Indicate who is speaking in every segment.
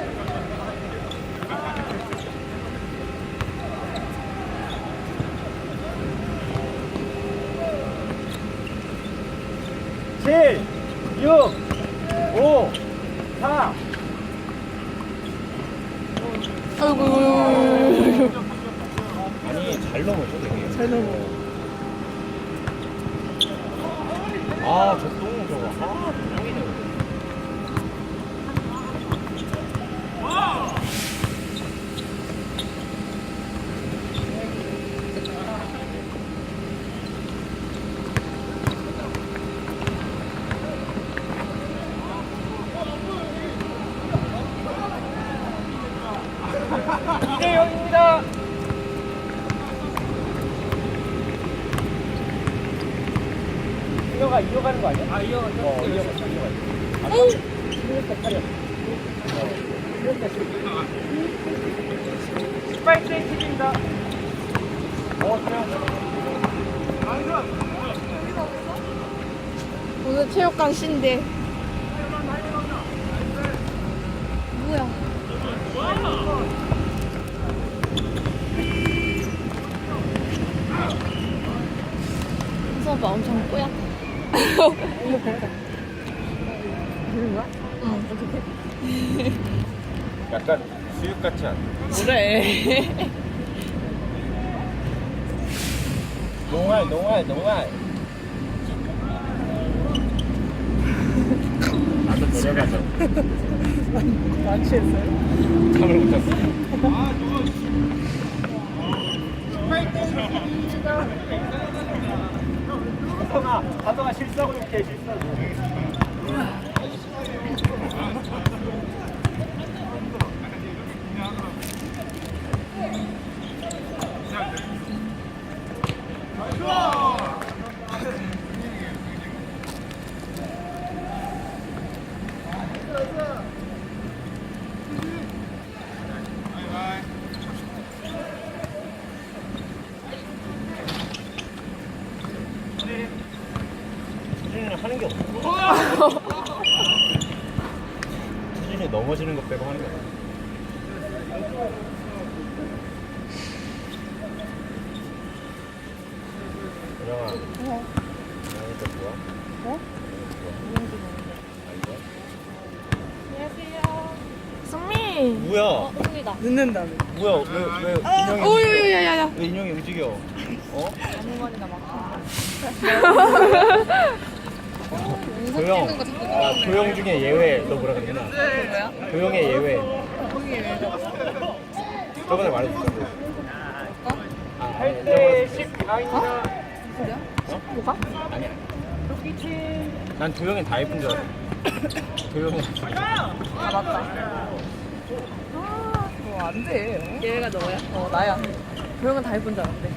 Speaker 1: 칠, 6, 5, 4.
Speaker 2: 아이고.
Speaker 1: 아니, 잘 넘어져, 되게.
Speaker 2: 잘 넘어.
Speaker 1: 아, 저 똥 저거. 아, 똥이네. 이대영입니다. 이어가는 거 아니야? 이어가. 이어가.
Speaker 2: 오!
Speaker 1: 16대 8이야. 16대 10. 18대 10입니다.
Speaker 2: 오늘 체육관 신데. 뭐야? 수업아 엄청 꼬야. 이거 배다. 그런 거야? 응. 어떻게?
Speaker 1: 약간 수육 같지 않아?
Speaker 2: 그래.
Speaker 1: 농알. 나도 데려가자.
Speaker 2: 안 취했어요?
Speaker 1: 잠을 못 잤어. 하성아 실수하고 이렇게 실수하고. 수진이는 하는 게 없어. 수진이 넘어지는 것 빼고 하는 게 없어. 유령아. 유령이니까 좋아?
Speaker 2: 어? 안녕하세요. 승미.
Speaker 1: 뭐야?
Speaker 2: 승미다. 늦는다며.
Speaker 1: 뭐야? 왜 인형이
Speaker 2: 오유 야야야.
Speaker 1: 왜 인형이 움직여? 어?
Speaker 2: 아주머니가 막.
Speaker 1: 조용. 아, 조용 중에 예외. 너 뭐라 그랬나?
Speaker 2: 뭐야?
Speaker 1: 조용의 예외.
Speaker 2: 거기 왜 적었어?
Speaker 1: 저번에 말했었어.
Speaker 2: 어?
Speaker 1: 8대 10 비하인드다.
Speaker 2: 그래?
Speaker 1: 어?
Speaker 2: 뭐가?
Speaker 1: 아니야. 난 조용히 다 예쁜 줄 알았어. 조용히.
Speaker 2: 아 맞다. 안 돼. 얘가 너야? 나야. 조용은 다 예쁜 줄 알았대.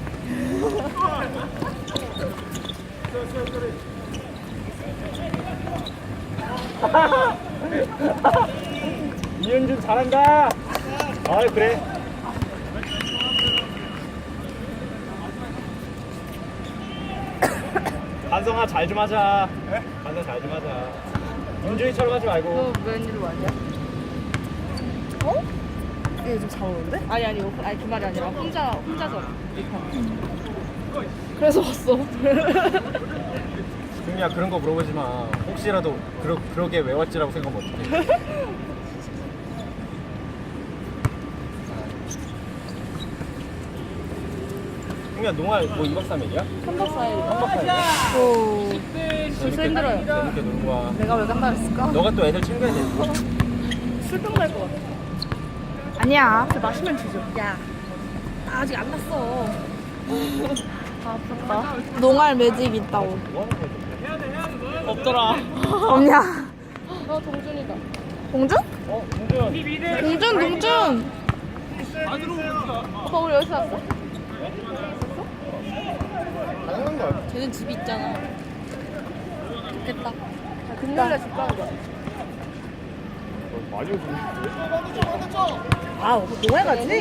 Speaker 1: 이현준 잘한다. 아 그래. 반성아 잘 좀 하자. 반성 잘 좀 하자. 윤준이처럼 하지 말고.
Speaker 2: 너 웬일로 왔냐? 어? 얘 좀 잘 오는데? 아니 그 말이 아니라 혼자서 그래서 왔어.
Speaker 1: 준이야 그런 거 물어보지 마. 혹시라도 그러게 왜 왔지라고 생각하면 어떡해. 준이야 농활 뭐 2박 3일이야?
Speaker 2: 3박 4일.
Speaker 1: 3박 4일이야?
Speaker 2: 오. 벌써 힘들어요.
Speaker 1: 재밌게 놀고 와.
Speaker 2: 내가 왜 간다했을까?
Speaker 1: 너가 또 애들 챙겨야 돼.
Speaker 2: 술병 날 것 같아. 아니야. 마시면 되죠. 야, 나 아직 안 났어. 아, 아깝다. 농알 매직 있다고.
Speaker 1: 뭐 하는 거야? 없더라.
Speaker 2: 없냐? 동준이다. 동준?
Speaker 1: 동준.
Speaker 2: 동준. 오빠 우리 여기서 왔어?
Speaker 1: 당연한 거야.
Speaker 2: 쟤는 집이 있잖아. 좋겠다. 금요일에 집 가는 거야.
Speaker 1: 많이 오시는데?
Speaker 2: 아, 농알 가지?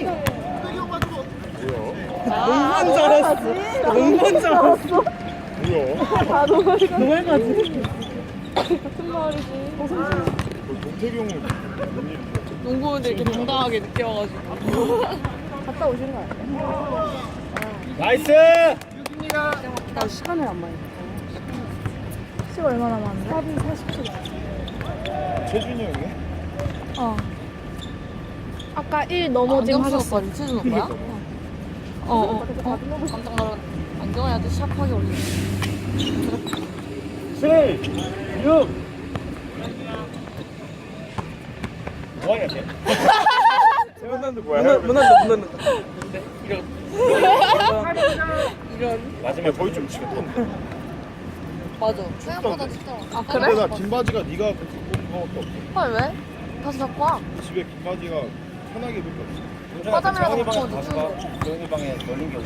Speaker 1: 뭐야?
Speaker 2: 농구인 줄 알았어. 농구인 줄 알았어.
Speaker 1: 뭐야?
Speaker 2: 아, 농알 가지? 같은 마을이지.
Speaker 1: 동태기 형은 웬일이야?
Speaker 2: 농구원들 이렇게 당당하게 늦게 와가지고. 갔다 오신 거 아니야?
Speaker 1: 나이스!
Speaker 2: 나 시간을 안 많이 시간 얼마나 많은데? 4분 40초.
Speaker 1: 최준이 형이네?
Speaker 2: 어. 아까 1 넘어짐 하셨어.
Speaker 3: 최준 오빠야? 깜짝 놀랐 안경을 아주 샤프하게 올리네.
Speaker 1: 7, 6. 뭐하냐, 쟤? 세븐단도 뭐야?
Speaker 4: 문난다.
Speaker 1: 마지막에 거의 좀 치겠던데.
Speaker 3: 맞아. 생각보다 진짜. 아
Speaker 4: 근데 나 긴 바지가 네가 그렇게 입은 것도 없어.
Speaker 3: 헐 왜? 다시 잡고 와.
Speaker 4: 집에 긴 바지가 편하게 입을 게 없어.
Speaker 3: 화장이라도
Speaker 1: 정훈이 방에
Speaker 3: 먹고
Speaker 1: 가서 봐. 정훈이 방에 널린 게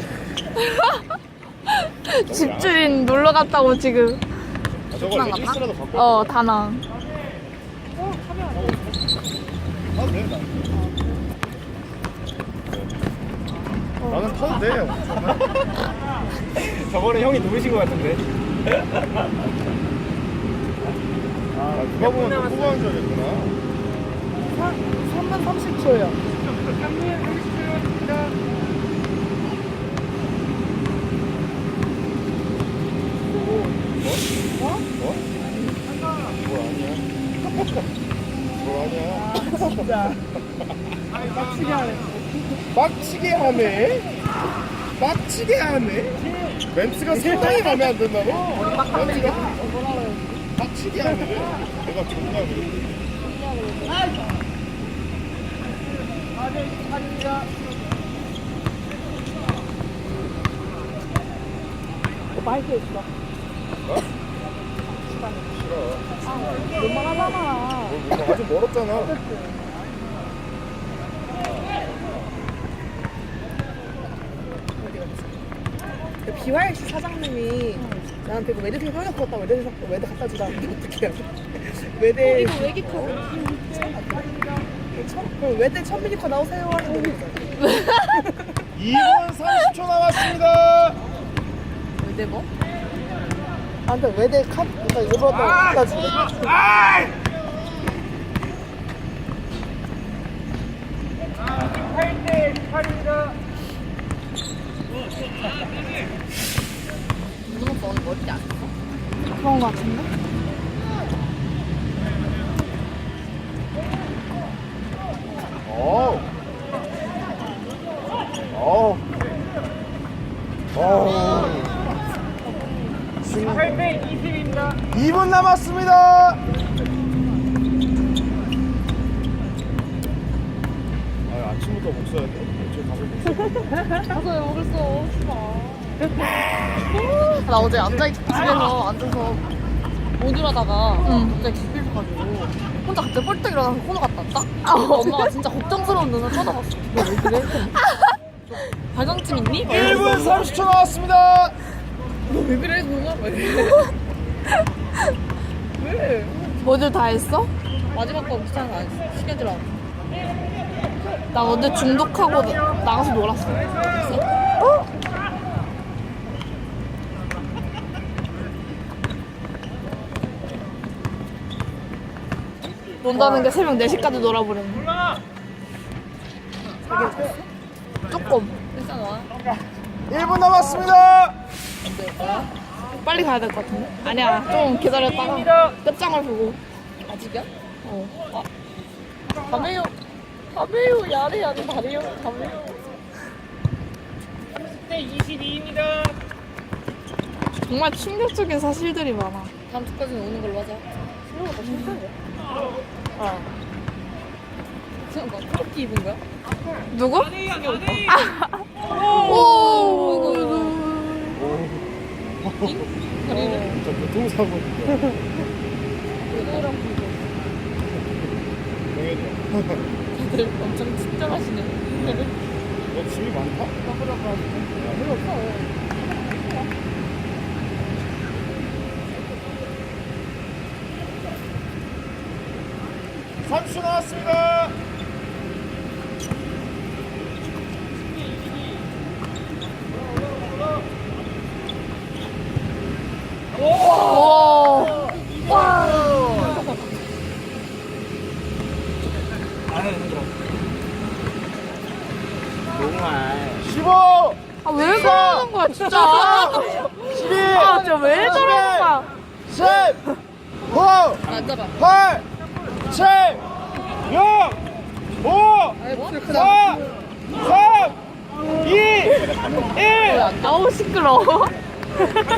Speaker 1: 없어.
Speaker 2: 집주인 놀러 갔다고 지금.
Speaker 4: 아, 저거 레깅스라도 갖고
Speaker 2: 어, 다낭.
Speaker 4: 타도 돼, 나. 나는 타도 돼.
Speaker 1: 저번에 형이 누구신 것 같은데?
Speaker 4: 아, 누가 보면 너 후보한 줄 알겠구나.
Speaker 2: 3분 30초요.
Speaker 4: 뭘 아니야? 뭘 아니야?
Speaker 2: 진짜. 빡치게 하네.
Speaker 4: 빡치게 하네? 빡치게 하네? 멘트가 상당히 마음에 안 든다고? 멘트가 빡치게 하네? 내가 존나 그래.
Speaker 2: 마이크 있어.
Speaker 4: 싫어.
Speaker 2: 웬만하잖아.
Speaker 4: 아직 멀었잖아.
Speaker 5: BYC 사장님이 나한테 그 외대생 성적 풀었다고 외대 갖다 주라는데 어떻게 해야 돼? 외대
Speaker 2: 이거 외기 카드.
Speaker 5: 외대 천미니커 나오세요 하는데
Speaker 4: 2분 30초 남았습니다.
Speaker 3: 외대 뭐?
Speaker 5: 나한테 외대 카드 그러니까 일부러 갖다 주래.
Speaker 3: 무슨 오빠 오늘 머리 안 했어?
Speaker 2: 그런 거 같은데?
Speaker 4: 어우. 어우. 어우. 8배 20입니다. 2분 남았습니다. 아, 아침부터 목 써야 돼. 저 가서 목 써.
Speaker 3: 가서 왜 먹을 써? 나 어제 집에서 앉아서 모듈하다가 갑자기 기필해가지고 혼자 갑자기 뻘떡 일어나서 코너 갔다 왔다? 엄마가 진짜 걱정스러운 눈을 쳐다봤어. 너 왜 그래? 발광증 있니?
Speaker 4: 1분 30초 남았습니다.
Speaker 3: 너 왜 그래? 그거 왜?
Speaker 2: 뭐들 다 했어?
Speaker 3: 마지막 거 귀찮아서 안 했어. 시간 들어.
Speaker 2: 나 어제 중독하고 나가서 놀았어. 논다는 게 새벽 4시까지 놀아버렸네. 조금.
Speaker 3: 일단 와.
Speaker 4: 1분 남았습니다.
Speaker 2: 빨리 가야 될 것 같은데? 아니야, 좀 기다렸다가 끝장을 보고.
Speaker 3: 아직이야? 가메요. 가메요. 야래 야래 다래요. 가메요.
Speaker 2: 정말 충격적인 사실들이 많아.
Speaker 3: 다음 주까지는 오는 걸로 하자. 신호가 신기해. 지금 막 크롭티 입은 거야?
Speaker 2: 누구? 오!
Speaker 3: 다리를
Speaker 4: 저 교통사고인데.
Speaker 3: 그거랑 불고.
Speaker 4: 동현이야.
Speaker 3: 다들 엄청 친절하시네.
Speaker 4: 너 짐이 많다?
Speaker 3: 별로 없어.
Speaker 4: 30초 나왔습니다.
Speaker 2: 오!
Speaker 1: 아,
Speaker 4: 15
Speaker 2: 아, 왜 그러는 거야, 진짜.
Speaker 4: 12
Speaker 2: 아, 진짜 왜 그러는 거야.
Speaker 4: 10 9
Speaker 3: 앉아봐.
Speaker 4: 8 7 6 5 4 3 2 1
Speaker 2: 아우, 시끄러워.